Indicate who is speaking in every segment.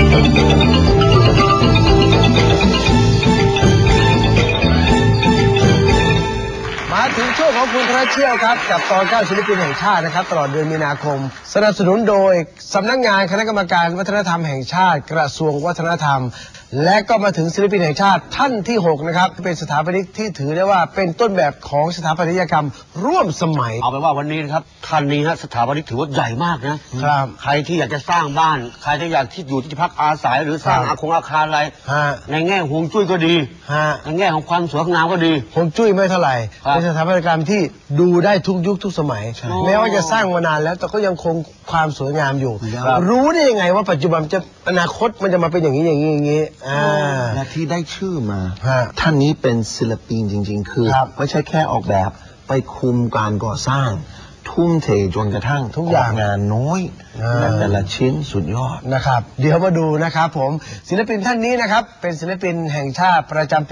Speaker 1: ถึงช่วงของคุณพระเชี่ยวครับกับตอน9ศิลปินแห่งชาตินะครับตลอดเดือนมีนาคมสนับสนุนโดยสำนักงานคณะกรรมการวัฒนธรรมแห่งชาติกระทรวงวัฒนธรรมและก็มาถึงศิลปินแห่งชาติท่านที่6นะครับเป็นสถาปนิกที่ถือได้ว่าเป็นต้นแบบของสถาปัตยกรรมร่วมสมัย
Speaker 2: เอาเป็นว่าวันนี้นะครับท่านนี้ฮะสถาปนิกถือว่าใหญ่มากนะครับใครที่อยากจะสร้างบ้านใครที่อยากที่อยู่ที่พักอาศัยหรือสร้างอาคารอะไรในแง่ฮวงจุ้ยก็ดีในแง่ของความสวยงามก็ดี
Speaker 1: ฮวงจุ้ยไม่เท่าไหร่เป็นสถาปัตยกรรมที่ดูได้ทุกยุคทุกสมัยแม้ว่าจะสร้างมานานแล้วแต่ก็ยังคงความสวยงามอยู่รู้ได้ยังไงว่าปัจจุบันจะอนาคตมันจะมาเป็นอย่างนี้อย่างนี้
Speaker 3: และที่ได้ชื่อมาท่านนี้เป็นศิลปินจริงๆคือไม่ใช่แค่ออกแบบไปคุมการก่อสร้างทุ่มเทจนกระทั่ง
Speaker 1: ทุกอย่าง
Speaker 3: งานน้อยแต่ละชิ้นสุดยอด
Speaker 1: นะครับเดี๋ยวมาดูนะครับผมศิลปินท่านนี้นะครับเป็นศิลปินแห่งชาติประจำปี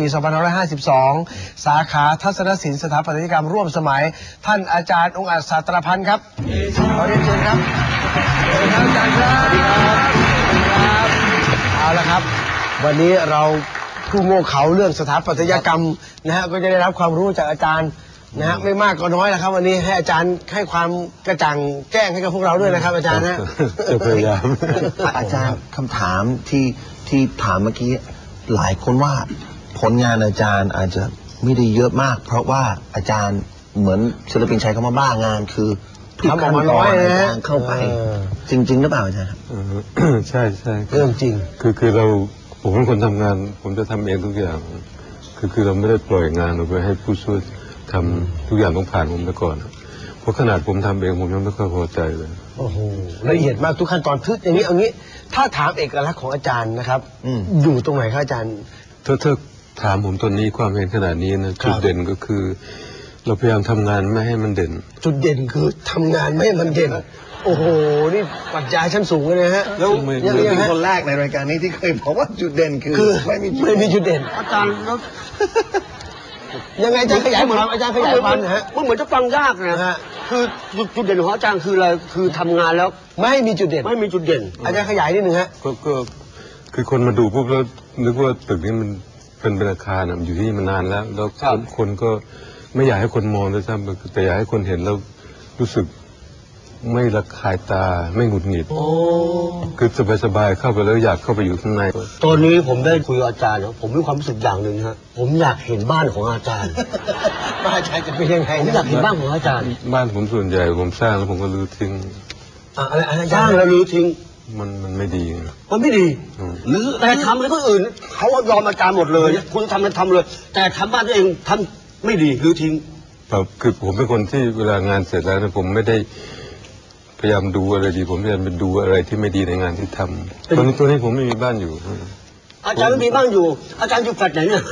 Speaker 1: 2552 สาขาทัศนศิลป์สถาปัตยกรรมร่วมสมัยท่านอาจารย์องค์อาจศาสตรพันธ์ครับขอเรียนเชิญครับสวัสดีครับอาจารย์ครับสวัสดีครับเอาละครับวันนี้เราผู้โง่เขลาเรื่องสถาปัตยกรรมนะฮะก็จะได้รับความรู้จากอาจารย์นะฮะไม่มากก็น้อยนะครับวันนี้ให้อาจารย์ให้ความกระจ่างแจ้งให้กับพวกเราด้วยนะครับอาจารย์นะ
Speaker 3: จะพยายามอาจารย์คำถามที่ถามเมื่อกี้หลายคนว่าผลงานอาจารย์อาจจะไม่ได้เยอะมากเพราะว่าอาจารย์เหมือนศิลปินใช้คำว่าบ้างานคือทุกขั้นตอนอาจารย์เข้าไปจริงๆหรือเปล่าอาจารย์ครับ
Speaker 4: ใช่ใช่
Speaker 1: เรื่องจริง
Speaker 4: คือเราผมเป็นคนทำงานผมจะทำเองทุกอย่างคือเราไม่ได้ปล่อยงานออกไปให้ผู้ช่วยทำทุกอย่างต้องผ่านผมไปก่อนเพราะขนาดผมทำเองผมยังไม่ค่อยพอใจเลย
Speaker 1: โอ้โหละเอียดมากทุกขั้นตอนทึกอย่างนี้เอางี้ถ้าถามเอกลักษณ์ของอาจารย์นะครับอยู่ตรงไหนครับอาจารย์
Speaker 4: ถ้าถามผมตอนนี้ความเห็นขนาดนี้นะจุดเด่นก็คือเราพยายามทำงานไม่ให้มันเด่น
Speaker 1: จุดเด่นคือทำงานไม่ให้มันเด่นโอ้โหนี่ปัจจัยชั้นสูงเลยนะฮะ
Speaker 3: แล้วยังเป็นคนแรกในรายการนี้ที่เคยบอกว่าจุดเด่นคือไม่
Speaker 1: มีจุดเด่น
Speaker 2: อาจารย์แล้ว
Speaker 1: ยังไงอาจารย์ขยายความอาจารย์ขยายความนะฮะ
Speaker 2: มันเหมือนจะฟังยากนะคือจุดเด่นของอาจารย์คืออะไรคือทำงานแล้ว
Speaker 1: ไม่มีจุดเด่น
Speaker 2: ไม่มีจุดเด่น
Speaker 1: อาจารย์ขยายนิดนึงฮะ
Speaker 4: ก็คือคนมาดูปุ๊บแล้วนึกว่าตึกนี้มันเป็นอาคารอยู่ที่นี่มานานแล้วคนก็ไม่อยากให้คนมองด้วยซ้ำแต่อยากให้คนเห็นแล้วรู้สึกไม่ระคายตาไม่หงุดหงิดคือสบายๆเข้าไปแล้วอยากเข้าไปอยู่ข้างใน
Speaker 2: ตอนนี้ผมได้คุยกับอาจารย์แล้วผมมีความรู้สึกอย่างหนึ่งฮะผมอยากเห็นบ้านของอาจารย์
Speaker 1: บ้านอาจารย์จะเป็นยังไง
Speaker 2: ผมอยากเห็นบ้านของอาจารย์
Speaker 4: บ้านผมส่วนใหญ่ผมสร้างแล้วผมก็รื้อทิ้ง
Speaker 1: อะไร
Speaker 2: สร้างแล้วรื้อทิ้ง
Speaker 4: มันไม่ดี
Speaker 2: มันไม่ดีหรือแต่ทำอะไรก็อื่นเขายอมอาจารย์หมดเลยคุณทำอะไรทำเลยแต่ทำบ้านตัวเองทำไม่ดีรื้อทิ้ง
Speaker 4: คือผมเป็นคนที่เวลางานเสร็จแล้วนะผมไม่ได้พยายามดูอะไรดีผมพยายามไปดูอะไรที่ไม่ดีในงานที่ทำตัวนี้ผมไม่มีบ้านอยู่
Speaker 2: อาจารย์ไม่มีบ้านอยู่อาจารย์อยู่แฟลตไหนเนี่ย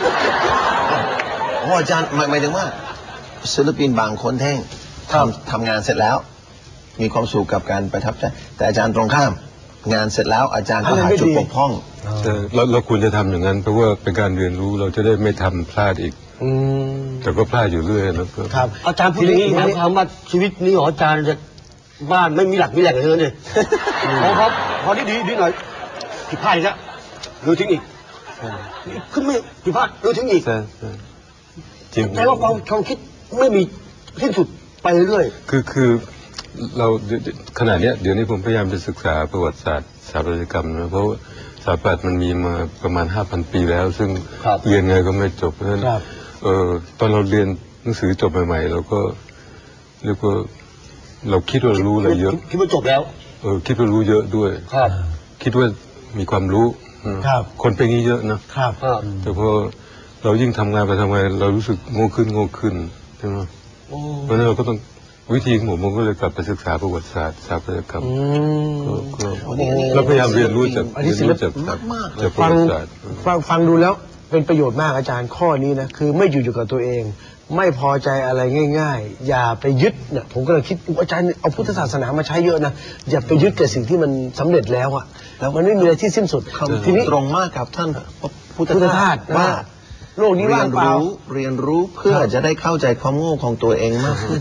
Speaker 3: อาจารย์หมายถึงว่าศิลปินบางคนแท่งทำงานเสร็จแล้วมีความสุขกับการประทับใจแต่อาจารย์ตรงข้ามงานเสร็จแล้วอาจารย์ก็หาจุดบกพร่อง
Speaker 4: เราควรจะทำอย่างนั้นเพราะว่าเป็นการเรียนรู้เราจะได้ไม่ทำพลาดอีกแต่ก็พลาดอยู่เรื่อย
Speaker 2: นะครับอาจารย์พูดอย่างนี้หมายความว่าชีวิตนี้ของอาจารย์จะบ้านไม่มีหลักมีแหล่งเลยเนี่ยพอดีหน่อยผิดพลาดอีกแล้วรื้อทิ้งอีกขึ้นไม่ผิดพลาดรื้อทิ้งอีก
Speaker 4: จริง
Speaker 2: แต่ว่าความคิดไม่มีสิ้นสุดไปเรื่อย
Speaker 4: คือเราขณะนี้เดี๋ยวนี้ผมพยายามจะศึกษาประวัติศาสตร์สถาปัตยกรรมนะเพราะสถาปัตย์มันมีมาประมาณ 5,000 ปีแล้วซึ่งเรียนไงก็ไม่จบเพราะฉะนั้นตอนเราเรียนหนังสือจบใหม่ๆเราก็เรียกว่าเราคิดว่ารู้อะไรเยอะ
Speaker 2: คิดว่าจบแล้ว
Speaker 4: คิดว่ารู้เยอะด้วยคิดว่ามีความรู้คนเป็นงี้เยอะนะครับแต่พอเรายิ่งทำงานไปทำไมเรารู้สึกโง่ขึ้นใช่ไหมเพราะนั้นเราก็ต้องวิธีของผมก็เลยกลับไปศึกษาประวัติศาสตร์สถาปัตยกรรมเราพยายามเรียนรู้จากประวัติศาสตร์
Speaker 1: ฟังดูแล้วเป็นประโยชน์มากอาจารย์ข้อนี้นะคือไม่อยู่กับตัวเองไม่พอใจอะไรง่ายๆอย่าไปยึดเนี่ยผมก็เลยคิดอาจารย์เอาพุทธศาสนามาใช้เยอะนะอย่าไปยึดกับสิ่งที่มันสำเร็จแล้วอะแล้วมันไม่มีอะไรที่สิ้นสุด
Speaker 3: ทีนี้ตรงมากกับท่านพุทธทาสว่า
Speaker 1: โลกนี้ว่างเปล่า
Speaker 3: เรียนรู้เพื่อจะได้เข้าใจความโง่ของตัวเองมากขึ้น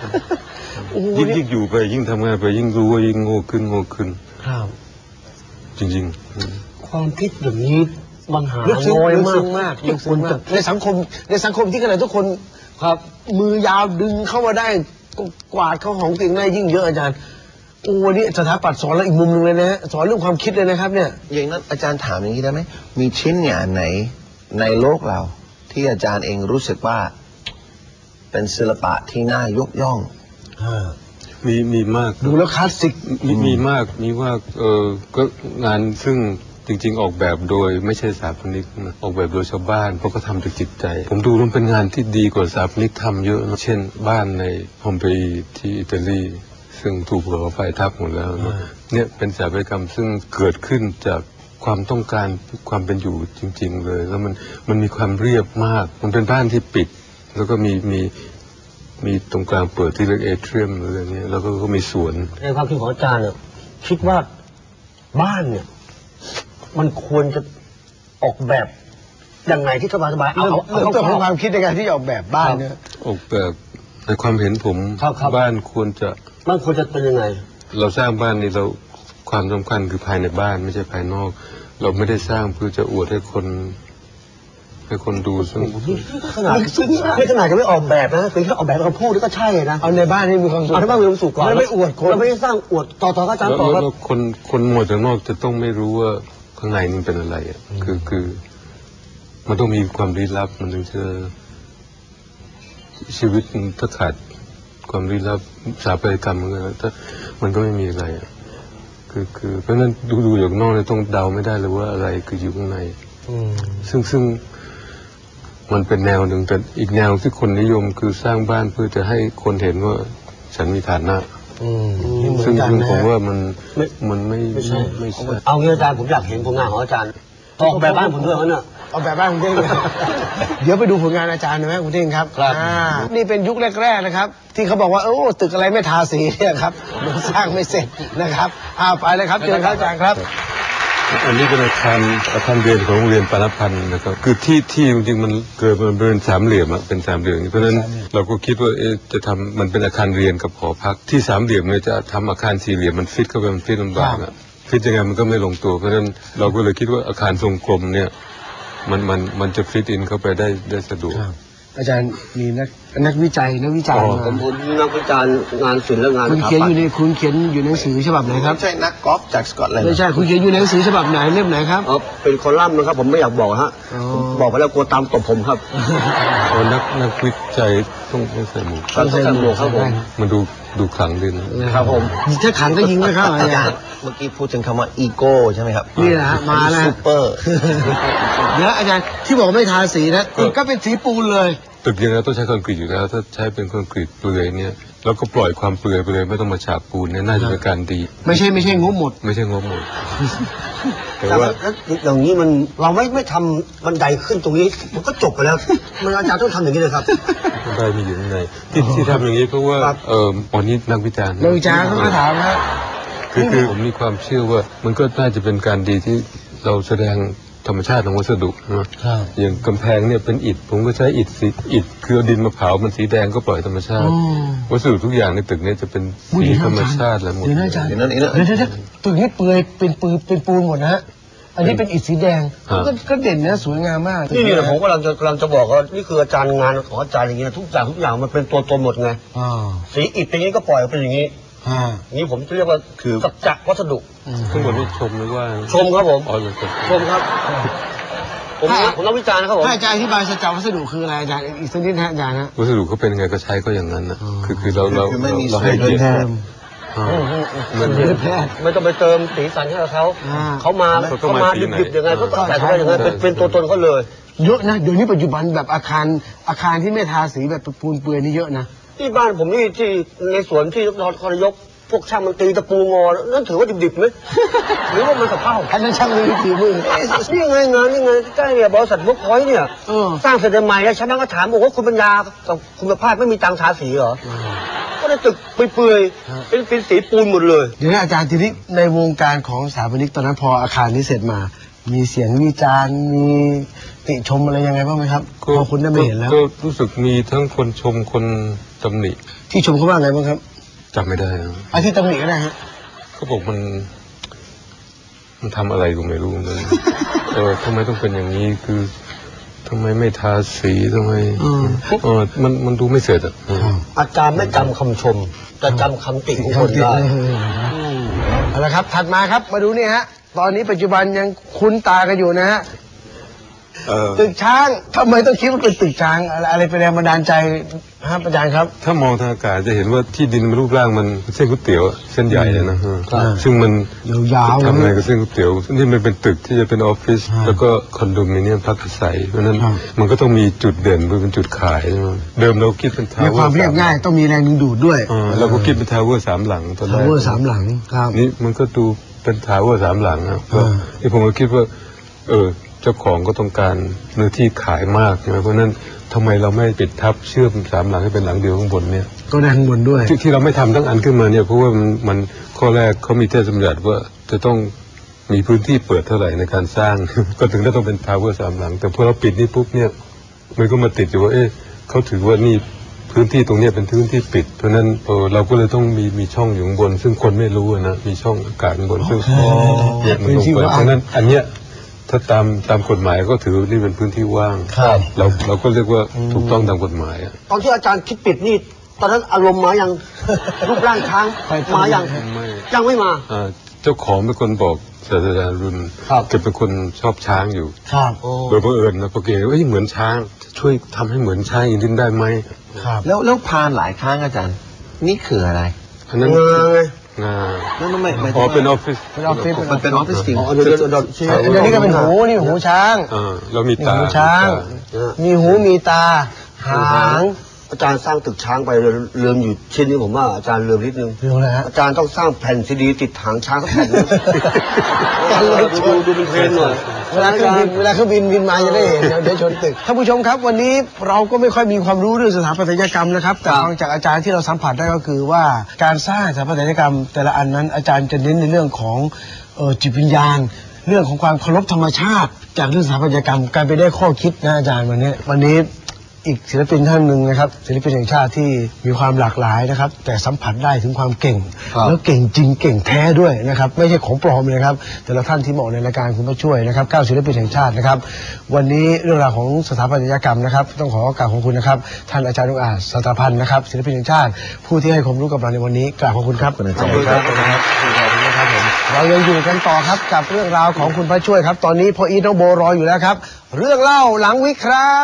Speaker 4: ยิ่งอยู่ไปยิ่งทำงานไปยิ่งรู้ว่ายิ่งโง่ขึ้น
Speaker 1: ครับ
Speaker 4: จริง
Speaker 2: ความคิดอย่างนี้มันหา
Speaker 1: ลึกซึ้ง
Speaker 2: น้อย
Speaker 1: ลึก
Speaker 2: มา
Speaker 1: ซึ้
Speaker 2: ก
Speaker 1: งมากลึกซึ้งมากในสังคมที่ขนาดทุกคน
Speaker 2: ครับ
Speaker 1: มือยาวดึงเข้ามาได้กวาดเข้าของตัวเองได้ยิ่งเยอะอาจารย์โอ้วันนี้สถาปัตย์สอนเราอีกมุมหนึ่งเลยนะฮะสอนเรื่องความคิดเลยนะครับเนี่ย
Speaker 3: อย่างนั้นอาจารย์ถามอย่างนี้ได้ไหมมีชิ้นงานไหนในโลกเรา ที่อาจารย์เองรู้สึกว่า เป็นศิลปะที่น่ายกย่อง
Speaker 4: ๆ มีมาก
Speaker 1: ดูแล้วคลาสสิก
Speaker 4: มีมากก็งานซึ่งจริงๆออกแบบโดยไม่ใช่สถาปนิกนะออกแบบโดยชาวบ้านเพราะเขาทำจากจิตใจ ผมดูมันเป็นงานที่ดีกว่าสถาปนิกทำเยอะนะเช่นบ้านในพอมเปอีที่อิตาลีซึ่งถูกภูเขาไฟทับหมดแล้วนะเนี่ยเป็นสถาปัตยกรรมซึ่งเกิดขึ้นจากความต้องการความเป็นอยู่จริงๆเลยแล้วมันมีความเรียบมากมันเป็นบ้านที่ปิดแล้วก็มีตรงกลางเปิดที่เรียกเอเทรียมอะไรเงี้ยแล้วก็มีสวน
Speaker 2: ในความคิดของอาจารย์เนี่ยคิดว่าบ้านเนี่ย มันควรจะออกแบบยังไงที่สบายๆเอา
Speaker 1: เริ่มต้นของความคิดในการที่จะออกแบบบ้านเนี่ย
Speaker 4: ออกแบบในความเห็นผมบ้านควรจะ
Speaker 2: มันควรจะเป็นยังไง
Speaker 4: เราสร้างบ้านนี่เราความสำคัญคือภายในบ้านไม่ใช่ภายนอก เราไม่ได้สร้างเพื่อจะอวดให้คนดูซึ่ง
Speaker 2: ขนาดนี่ขนาดจะไม่ออกแบบนะคือแค่ออกแบบคำพูดนี่ก็ใช่นะ
Speaker 1: เอาในบ้านให้มีความสุข
Speaker 2: เอาในบ้านมีความสุขก่อน
Speaker 1: ไม่อวดคน
Speaker 2: เราไม่ได้สร้างอวดต่อก็อาจารย์ต่อครับ
Speaker 4: แล้วคนมองจากนอกจะต้องไม่รู้ว่าข้างในมันเป็นอะไรอ่ะคือมันต้องมีความลี้ลับมันถึงจะชีวิตถ้าขาดความลี้ลับสถาปัตยกรรมมันก็ไม่มีอะไรอ่ะคือเพราะฉะนั้นดูจากนอกเนี่ยต้องเดาไม่ได้เลยว่าอะไรคืออยู่ข้างในซึ่งมันเป็นแนวหนึ่งแต่อีกแนวที่คนนิยมคือสร้างบ้านเพื่อจะให้คนเห็นว่าฉันมีฐานะซึ่งผมว่ามันไม่ใช่
Speaker 2: เอางี้อาจารย์ผมอยากเห็นผลงานของอาจารย์ออกแบบบ้านผมด้วยนะ
Speaker 1: เอาแบบบ้านคุณเท่งเลยเดี๋ยวไปดูผลงานอาจารย์หน่อยไหมคุณเท่งครับ
Speaker 2: ครับ
Speaker 1: นี่เป็นยุคแรกๆนะครับ ที่เขาบอกว่าโอ้ตึกอะไรไม่ทาสีเนี่ยครับมันสร้างไม่เสร็จนะครับไปเลยครับเชิญครับอาจารย์ครับ
Speaker 4: อันนี้เป็นอาคารเรียนของโรงเรียนปานพันธ์นะครับคือที่จริงๆมันเกิดมันเป็นสามเหลี่ยมอะเป็นสามเหลี่ยมเพราะฉะนั้นเราก็คิดว่าจะทำมันเป็นอาคารเรียนกับหอพักที่สามเหลี่ยมเนี่ยจะทำอาคารสี่เหลี่ยมมันฟิตเข้าไปมันฟิตลำบากอะฟิตยังไงมันก็ไม่ลงตัวเพราะฉะนั้นเราก็เลยคิดว่าอาคารทรงกลมเนี่ยมันจะฟิตอินเข้าไปได้สะดวก
Speaker 1: อาจารย์มีนักวิจัยมา
Speaker 2: ผมนักวิจารณ์งานศิลป์และงาน
Speaker 1: คุณเขียนอยู่ในหนังสือฉบับไหนครับ
Speaker 3: ไม่ใช่นักกอล์ฟจากสกอตแลนด์
Speaker 1: ไม่ใช่คุณเขียนอยู่ในหนังสือฉบับไหนเล่มไหนครับ
Speaker 2: เป็นคอลัมน์นะครับผมไม่อยากบอกฮะบอกไปแล้วกลัวตามตบผมครับ
Speaker 4: นักวิจัยต้องใส่หมวก
Speaker 2: ต้องใส่หมวกครับผม
Speaker 4: มันดูขลังดีนะครับ
Speaker 2: ผม
Speaker 1: ถ้าขังก็ยิงนะครับอา
Speaker 3: อา
Speaker 1: จา
Speaker 3: จาร
Speaker 1: ร
Speaker 3: ย์
Speaker 1: ย์
Speaker 3: เมื่อกี้พูดถึงคำว่าอีโก้ใช่ไหมครับ
Speaker 1: นี่แหละฮะมาแล้ว
Speaker 3: ซูเปอร์
Speaker 1: เดี๋ยวอาจารย์ที่บอกไม่ทาสีนะก็เป็นสีปูนเลย
Speaker 4: ตึกยังไงต้องใช้คอนกรีตอยู่แล้วถ้าใช้เป็นคอนกรีตเปลือยเนี่ยแล้วก็ปล่อยความเปลือยไปเลยไม่ต้องมาฉาบปูนเนี่ยน่าจะเป็นการดี
Speaker 1: ไม่ใช่งบหมด
Speaker 4: ไม่ใช่งบหมดแต่
Speaker 2: แต่
Speaker 4: ว่า
Speaker 2: ว่าอย่างนี้มันเราไม่ทำบันไดขึ้นตรงนี้มันก็จบไปแล้วมันอาจารย์ต้องทำอย่างนี้เลยครับ
Speaker 4: ได้มีอยู่ข้างในที่ทำอย่างนี้เพราะว่าอันนี้นักวิจารณ์
Speaker 1: นักวิจารณ์เขามาถามครับ
Speaker 4: คือผมมีความเชื่อว่ามันก็น่าจะเป็นการดีที่เราแสดงธรรมชาติของวัสดุนะอย่างกำแพงเนี่ยเป็นอิฐผมก็ใช้อิฐคือเอาดินมาเผามันสีแดงก็ปล่อยธรรมชาติ วัสดุทุกอย่างในตึกนี้จะเป็นสีธรรมชาติแล้วหมด
Speaker 1: เดี๋ยวนะอาจารย์
Speaker 3: เดี๋ยวนั้น
Speaker 1: เดี๋ยวตึกนี้เปลือยเป็นปูนหมดนะฮะอันนี้เป็นอิฐสีแดงก็เด่นนะสวยงามมาก
Speaker 2: นี่แหละผมกำลังจะบอกว่านี่คืออาจารย์งานของอาจารย์อย่างเงี้ยทุกอย่างมันเป็นตัวตนหมดไงสีอิฐเป็นอย่างนี้ก็ปล่อยเป็นอย่างนี้นี่ผมจะเรียกว่าคือสัจจะวัสดุ
Speaker 4: ทั้งหมดนี้ชมหรือว่า
Speaker 2: ชมครับผม
Speaker 4: อ๋อเลยครับ
Speaker 2: ชมครับผมต้องวิจารณ์นะครับผม
Speaker 1: ถ้าอาจารย์อธิบายสัจจะวัสดุคืออะไรอาจารย์อีกสักนิดนะอาจารย์นะ
Speaker 4: วัสดุเขาเป็นยังไงก็ใช้ก็อย่างนั้นนะคือเรา
Speaker 3: คือไม่มี
Speaker 4: เราให้เกียรติ
Speaker 2: ไม่ต้องไปเติมสีสันให้เขาเขามาดิบๆยังไงก็ใส่เข้าไปอย่างนั้นเป็นตัวตนเขาเลย
Speaker 1: เยอะนะเดี๋ยวนี้ปัจจุบันแบบอาคารที่ไม่ทาสีแบบปูนเปลือยนี่เยอะนะ
Speaker 2: ที่บ้านผมนี่ที่ในสวนที่นครนายกพวกช่างมันตีตะปูงอนั่นถือว่าดิบๆไหมหรือว่ามันสภาพ
Speaker 1: อันนั้นช่างมีฝีมือ
Speaker 2: นี่ไงงานนี่ไงใกล้เนี่ยบริษัทเวิร์กพอยต์เนี่ยสร้างเสร็จใหม่แล้วชาวบ้านก็ถามบอกว่าคุณปัญญากับคุณภาพไม่มีตังค์ทาสีเหรอก็ได้ตึกเปื่อยๆเป็นสีปูนหมดเลย
Speaker 1: เดี๋ยวนะอาจารย์ทีนี้ในวงการของสถาปนิกตอนนั้นพออาคารนี้เสร็จมา มีเสียงวิจารณ์มีติชมอะไรยังไงบ้างไหมครับพอคุณได้ไม่เห็นแล้ว
Speaker 4: ก็รู้สึกมีทั้งคนชมคนตำหนิ
Speaker 1: ที่ชมเขาว่าไงบ้างครับ
Speaker 4: จำไม่ได้นะ
Speaker 1: อาที่ตำหนิก็ได้ฮะ
Speaker 4: เขาบอกมันมันทำอะไรก็ไม่รู้มันทำไมต้องเป็นอย่างนี้คือทำไมไม่ทาสีทำไมมันดูไม่เสร็จอ่ะ
Speaker 2: อาจารย์ไม่จำคำชมแต่จำคำติของคนได้
Speaker 1: เอาละครับถัดมาครับมาดูนี่ฮะตอนนี้ปัจจุบันยังคุ้นตากันอยู่นะฮะตึกช้างทำไมต้องคิดว่าเป็นตึกช้างอะไรเป็นแรงบันดาลใจครับอาจารย์ครับ
Speaker 4: ถ้ามองทางอากาศจะเห็นว่าที่ดินมันรูปร่างมันเส้นก๋วยเตี๋ยวเส้นใหญ่เลยนะซึ่งมัน
Speaker 1: ยาวๆ
Speaker 4: ทำอะไรกับเส้นก๋วยเตี๋ยวนี่มันเป็นตึกที่จะเป็นออฟฟิศแล้วก็คอนโดมิเนียมพักอาศัยเพราะนั้นมันก็ต้องมีจุดเด่นเป็นจุดขายเดิมเราคิดเป็นทาวเวอร์
Speaker 1: มีความเรียบง่ายต้องมีแรงดึงดูดด้วย
Speaker 4: เราก็คิดเป็นทาวเวอร์3 หลังตอนแรก
Speaker 1: ทาวเวอร์3 หลังครับ
Speaker 4: นี่มันก็ดูเป็นทาวเวอร์3 หลังครับที่ผมก็คิดว่าเจ้าของก็ต้องการเนื้อที่ขายมากใช่ไหมเพราะนั้นทำไมเราไม่ปิดทับเชื่อม3 หลังให้เป็นหลังเดียวข้างบนเนี่ย
Speaker 1: ก็ได้ข้างบนด้วย
Speaker 4: ที่เราไม่ทำทั้งอันขึ้นมาเนี่ยเพราะว่ามันข้อแรกเขามีเทศบัญญัติว่าจะต้องมีพื้นที่เปิดเท่าไหร่ในการสร้าง ก็ถึงได้ต้องเป็นทาวเวอร์3 หลังแต่พอเราปิดนี่ปุ๊บเนี่ยมันก็มาติดอยู่ว่าเขาถือว่านี่พื้นที่ตรงนี้เป็นพื้นที่ปิดเพราะนั้นเราก็เลยต้องมีช่องอยู่ข้างบนซึ่งคนไม่รู้นะมีช่องอากาศข้างบนซึ่งมันลงไปเพราะนั้นอันเนี้ยถ้าตามกฎหมายก็ถือนี่เป็นพื้นที่ว่างเราก็เรียกว่าถูกต้องตามกฎหมาย
Speaker 2: ตอนที่อาจารย์คิดปิดนี่ตอนนั้นอารมณ์มายังรูปร่างช้างมายังไม่มา
Speaker 4: เจ้าของเป็นคนบอกศาสตราจารย์รุ่นแกเป็นคนชอบช้างอยู่โดยบังเอิญนะพอแกเหมือนช้างช่วยทำให้เหมือนช้างอีกนิดได้ไหม
Speaker 3: แล้วพานหลายครั้งอาจารย์นี่คืออะไร
Speaker 4: อันนั้นงาเป็นออฟฟิศ
Speaker 3: มันเป็นออฟฟิศจริง
Speaker 1: เดี๋ยวนี้ก็เป็นหูนี่หูช้าง
Speaker 4: เรามีตา
Speaker 1: หูช้างมีหูมีตาหาง
Speaker 2: อาจารย์สร้างตึกช้างไปเริ่มอยู่ชิ้นนี้ผมว่าอาจารย์เริ่มนิดนึงอาจารย์ต้องสร้างแผ่นซีดีติดหางช้างสักแผ่นนึงดูเป็นเพลงหน่อย
Speaker 1: เวลาเครื่องบินมาจะได้เห็นเดี๋ยวชนตึกท่านผู้ชมครับวันนี้เราก็ไม่ค่อยมีความรู้เรื่องสถาปัตยกรรมนะครับแต่ฟังจากอาจารย์ที่เราสัมผัสได้ก็คือว่าการสร้างสถาปัตยกรรมแต่ละอันนั้นอาจารย์จะเน้นในเรื่องของจิตวิญญาณเรื่องของความเคารพธรรมชาติจากเรื่องสถาปัตยกรรมการไปได้ข้อคิดนะอาจารย์วันนี้อีกศิลปินท่านหนึ่งนะครับศิลปินแห่งชาติที่มีความหลากหลายนะครับแต่สัมผัสได้ถึงความเก่งแล้วเก่งจริงเก่งแท้ด้วยนะครับไม่ใช่ของปลอมเลยครับแต่ละท่านที่มาออกในรายการคุณผู้ช่วยนะครับ9ศิลปินแห่งชาตินะครับวันนี้เรื่องราวของสถาปัตยกรรมนะครับต้องขอกราบขอบคุณนะครับท่านอาจารย์นุอาจสถาพันธ์นะครับศิลปินแห่งชาติผู้ที่ให้ความรู้กับเราในวันนี้กราบขอบคุณครับขอบคุณครับเรายังอยู่กันต่อครับกับเรื่องราวของคุณพระช่วยครับตอนนี้พ่ออีทน้องโบรออยู่แล้วครับเรื่องเล่าหลังวิกครับ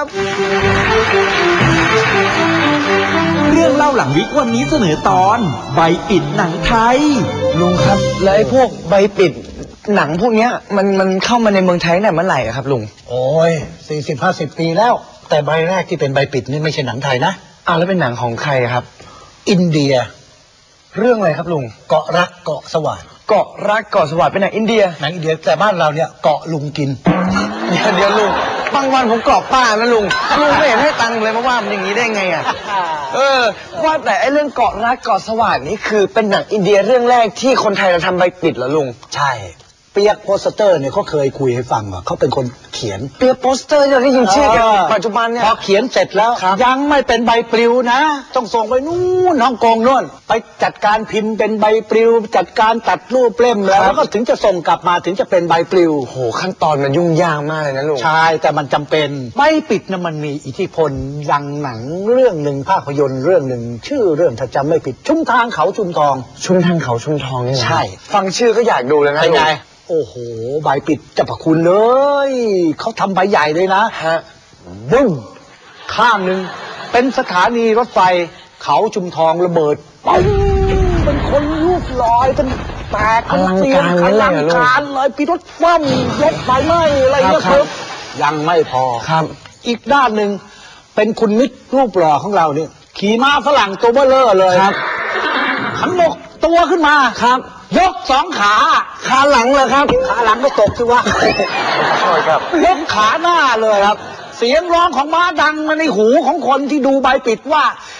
Speaker 5: เรื่องเล่าหลังวิกวันนี้เสนอตอนใบปิดหนังไทย
Speaker 1: ลุงครับแล้วไอ้พวกใบปิดหนังพวกนี้มันเข้ามาในเมืองไทยเนี่ยเมื่อไหร่ครับลุง
Speaker 6: โอ้ย40-50 ปีแล้วแต่ใบแรกที่เป็นใบปิดนี่ไม่ใช่หนังไทยนะ
Speaker 1: แล้วเป็นหนังของใครครับ
Speaker 6: อินเดีย
Speaker 1: เรื่องอะไรครับลุง
Speaker 6: เกาะรักเกาะสวัสดิ์
Speaker 1: เกาะรักเกาะสวัสดิ์เป็นหนังอินเดีย
Speaker 6: แต่บ้านเราเนี่ยเกาะลุงกิน
Speaker 1: เดี๋ยวลุงบางวันผมกรอบป้านะลุงไม่เห็นให้ตังค์เลยมาว่ามันอย่างนี้ได้ไงว่าแต่ไอ้เรื่องเกาะรักเกาะสวัสดิ์นี่คือเป็นหนังอินเดียเรื่องแรกที่คนไทยเราทำใบปิดเหรอลุง
Speaker 6: ใช่เปียกโปสเตอร์เนี่ยเขาเคยคุยให้ฟังว่าเขาเป็นคนเขียน
Speaker 1: เปียกโปสเตอร์เราได้ยินชื่อกันปัจจุบันเนี่ย
Speaker 6: พอเขียนเสร็จแล้วยังไม่เป็นใบปลิวนะต้องส่งไปนู่นฮ่องกงนู่นไปจัดการพิมพ์เป็นใบปลิวจัดการตัดรูปเล่มแล้วก็ถึงจะส่งกลับมาถึงจะเป็นใบปลิว
Speaker 1: โหขั้นตอนมันยุ่งยากมากเลยนะลุง
Speaker 6: ใช่แต่มันจำเป็นใบปิดนะมันมีอิทธิพลดังหนังเรื่องหนึ่งภาพยนตร์เรื่องหนึ่งชื่อเรื่องถ้าจำไม่ผิดชุมทางเขาชุมทอง
Speaker 1: นี่
Speaker 6: ใช่
Speaker 1: ฟังชื่อก็อยากดูเลยนะลุง
Speaker 6: โอ้โหใบปิดเจ้าพระคุณเลยเขาทำใบใหญ่เลยนะบึ้งข้างหนึ่งเป็นสถานีรถไฟเขาชุมทองระเบิดปุ้งเป็นคนลูกลอยเป็นแตก
Speaker 1: อลังการ
Speaker 6: เลยปีรถคว่ำรถไฟไหม้อะไรเงี้ยครับยังไม่พอ
Speaker 1: ครับ
Speaker 6: อีกด้านหนึ่งเป็นคุณมิตรรูปหล่อของเราเนี่ยขี่ม้าฝรั่งตัวเบ้อเร่อเลย
Speaker 1: ครับ
Speaker 6: ขันบกตัวขึ้นมา
Speaker 1: ครับ
Speaker 6: ยกขา
Speaker 1: หลังเลยครับ
Speaker 6: ขาหลังก็ตกสิวะ
Speaker 1: ใช่ครับ
Speaker 6: ยกขาหน้าเลยครับเสียงร้องของม้าดังมาในหูของคนที่ดูใบปิดว่า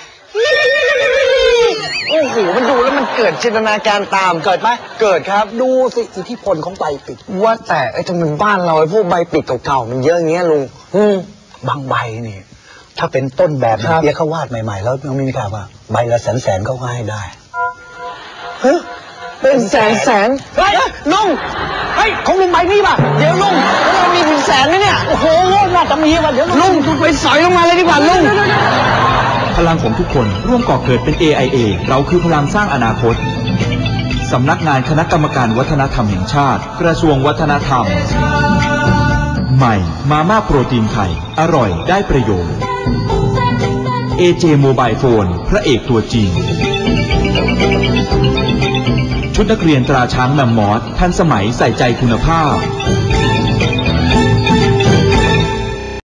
Speaker 1: โอ้โหมันดูแล้วมันเกิดจินตนาการตาม
Speaker 6: เกิดไหม
Speaker 1: เกิดครับ
Speaker 6: ดูสิอิทธิพลของใบปิด
Speaker 1: ว่าแต่ทำไมบ้านเราไอ้พวกใบปิดเก่าๆมันเยอะอย่างเงี้ยลุง
Speaker 6: บางใบนี่ถ้าเป็นต้นแบบเปียกเขาวาดใหม่ๆแล้วยังไม่มีข่าวว่าใบละแสนเขาก็ให้ได้เป็นแสนเฮ้ยลุงเฮ้ยของลุงใบนี้ป่ะเดี๋ยวลุงแล้วเรามีถึงแสนไหมเนี่ยโอ้โหน่าจะมีว่ะเดี๋ยวลุงไปสอยลงมาเลยดีกว่าลุง
Speaker 5: พลังของทุกคนร่วมก่อเกิดเป็น AIA เราคือพลังสร้างอนาคตสำนักงานคณะกรรมการวัฒนธรรมแห่งชาติกระทรวงวัฒนธรรมใหม่มาม่าโปรตีนไข่อร่อยได้ประโยชน์ AJ Mobile Phone พระเอกตัวจริงชุดนักเรียนตราช้างแมมมอสทันสมัยใส่ใจคุณภาพ